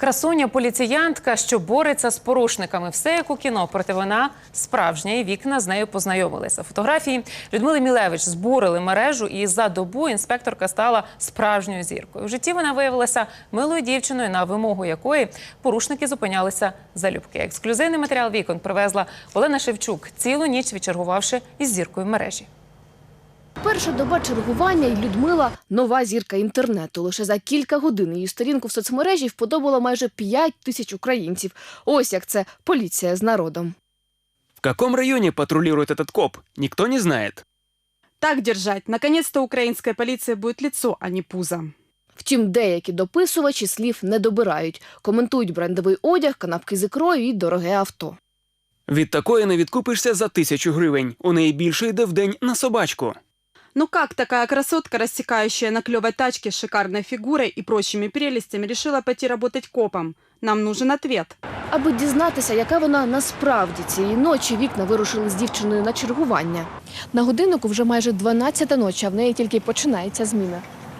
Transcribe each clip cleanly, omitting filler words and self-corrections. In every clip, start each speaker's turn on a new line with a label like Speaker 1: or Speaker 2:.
Speaker 1: Красуня-поліціянтка, що бореться з порушниками. Все як у кіно, проте вона справжня, і Вікна з нею познайомилися. Фотографії Людмили Мілевич збурили мережу, і за добу інспекторка стала справжньою зіркою. В житті вона виявилася милою дівчиною, на вимогу якої порушники зупинялися залюбки. Ексклюзивний матеріал «Вікон» привезла Олена Шевчук, цілу ніч відчергувавши із зіркою мережі.
Speaker 2: Перша доба чергування, і Людмила – нова зірка інтернету. Лише за кілька годин її сторінку в соцмережі вподобало майже 5 тисяч українців. Ось як це поліція з народом.
Speaker 3: В каком районе патрулирует этот коп, никто не знает.
Speaker 4: Так держать. Наконец-то украинская полиция будет лицо, а не пузо.
Speaker 2: Втім, деякі дописувачі слів не добирають. Коментують брендовий одяг, канапки з ікрою і дороге авто.
Speaker 3: Від такої не відкупишся за 1000 гривень. У неї більше йде в день на собачку.
Speaker 4: Ну как такая красотка, рассекающая на клевой тачке с шикарной фигурой и прочими прелестями, решила пойти работать копом? Нам нужен ответ.
Speaker 2: Аби дізнатися, яка вона насправді, цієї ночі Вікна вирушили з дівчиною на чергування. На годиннику вже майже 12-та ночі, а в неї тільки починається зміна.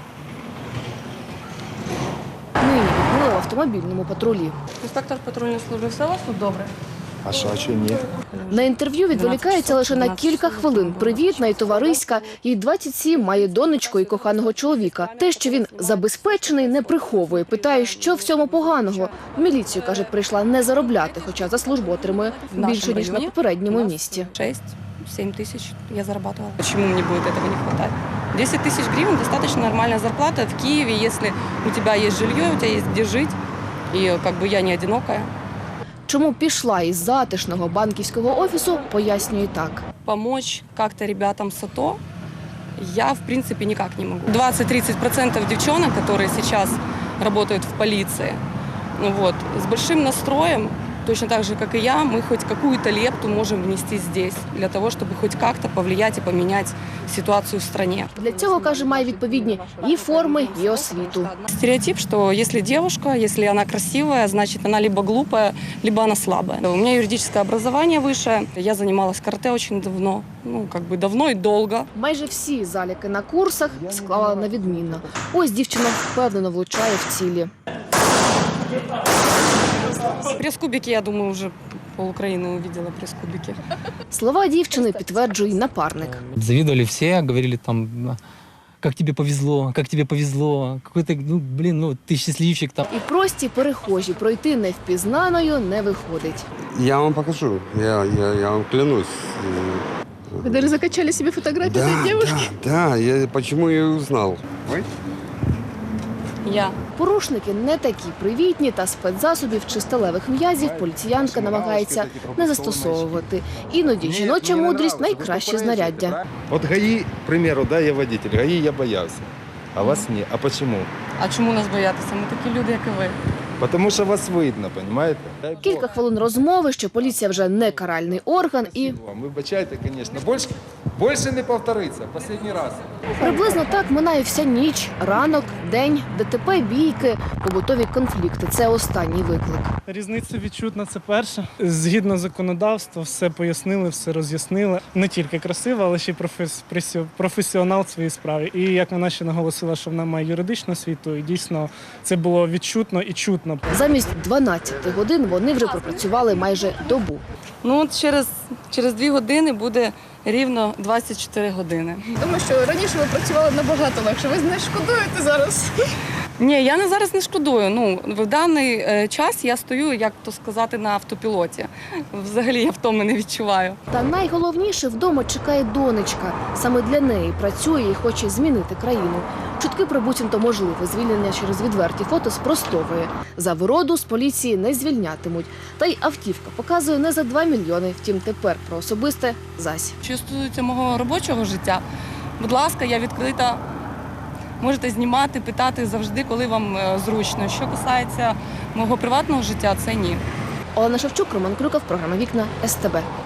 Speaker 2: Нині Людмила в автомобільному патрулі.
Speaker 5: Інспектор патрульної служби, все у вас тут добре?
Speaker 6: А що, а чого ні?
Speaker 2: На інтерв'ю відволікається лише на кілька хвилин. Привітна і товариська. Їй 27, має донечку і коханого чоловіка. Те, що він забезпечений, не приховує. Питає, що в цьому поганого. В міліцію, каже, прийшла не заробляти, хоча за службу отримує більше, ніж на попередньому місці.
Speaker 5: 6-7 тысяч я зарабатывала. Почему мне будет этого не хватать? 10 тысяч гривен – достаточно нормальная зарплата в Киеве, если у тебя есть жилье, у тебя есть где жить, и как бы я не одинокая.
Speaker 2: Чому пішла із затишного банківського офісу, пояснює так.
Speaker 5: Помочь как-то ребятам с АТО я, в принципе, никак не могу. 20-30% девчонок, которые сейчас работают в полиции, вот, с большим настроем, точно так же, как и я, мы хоть какую-то лепту можем внести здесь, для того, чтобы хоть как-то повлиять и поменять ситуацию в стране.
Speaker 2: Для цього, каже, має відповідні і форми, і освіту.
Speaker 5: Стереотип, что если девушка, если она красивая, значит, она либо глупая, либо она слабая. У меня юридическое образование высшее. Я занималась карате очень давно, давно и долго.
Speaker 2: Майже всі заліки на курсах склала на відмінно. Ось дівчина впевнено влучає в цілі.
Speaker 5: Пресс-кубики, я думаю, уже пол-Украины увидела пресс-кубики.
Speaker 2: Слова дівчини підтверджує й напарник.
Speaker 7: Завидовали все, говорили там, как тебе повезло, какой-то, ты счастливчик там.
Speaker 2: І прості перехожі пройти невпізнаною не виходить.
Speaker 6: Я вам покажу, я вам клянусь.
Speaker 2: Ви даже закачали собі фотографію цієї дівчинки?
Speaker 6: Да, почему я ее узнал?
Speaker 5: Я.
Speaker 2: Порушники не такі привітні, та спецзасобів чи сталевих м'язів поліціянка намагається не застосовувати. Іноді жіноча мудрість – найкраще знаряддя.
Speaker 8: Вот ГАИ, к примеру, да, я водитель, ГАИ я боялся, а вас нет. А почему?
Speaker 5: А чому нас боятися? Ми такі люди, як і ви.
Speaker 8: Потому что вас видно, понимаете?
Speaker 2: Кілька хвилин розмови, що поліція вже не каральний орган і...
Speaker 8: Вибачайте, конечно, больше не повториться, последний раз.
Speaker 2: Приблизно так минає вся ніч, ранок, день, ДТП, бійки, побутові конфлікти. Це останній виклик.
Speaker 9: Різниця відчутна – це перше. Згідно законодавства, все пояснили, все роз'яснили. Не тільки красива, але ще й професіонал в своїй справі. І як вона ще наголосила, що вона має юридичну освіту, і дійсно це було відчутно і чутно.
Speaker 2: Замість 12 годин вони вже пропрацювали майже добу.
Speaker 5: От через 2 години буде рівно 24 години.
Speaker 10: Тому що раніше ви працювали набагато легше. Ви не шкодуєте зараз?
Speaker 5: Ні, я зараз не шкодую. В даний час я стою, як то сказати, на автопілоті. Взагалі я втоми не відчуваю.
Speaker 2: Та найголовніше, вдома чекає донечка. Саме для неї працює і хоче змінити країну. Чутки про буцімто можливе звільнення через відверті фото спростовує. За вироду з поліції не звільнятимуть. Та й автівка показує не за 2 мільйони. Втім, тепер про особисте – зась.
Speaker 5: Що стосується мого робочого життя, будь ласка, я відкрита. Можете знімати, питати завжди, коли вам зручно. Що касається мого приватного життя, це ні.
Speaker 2: Олена Шевчук, Роман Крюков, програма «Вікна», СТБ.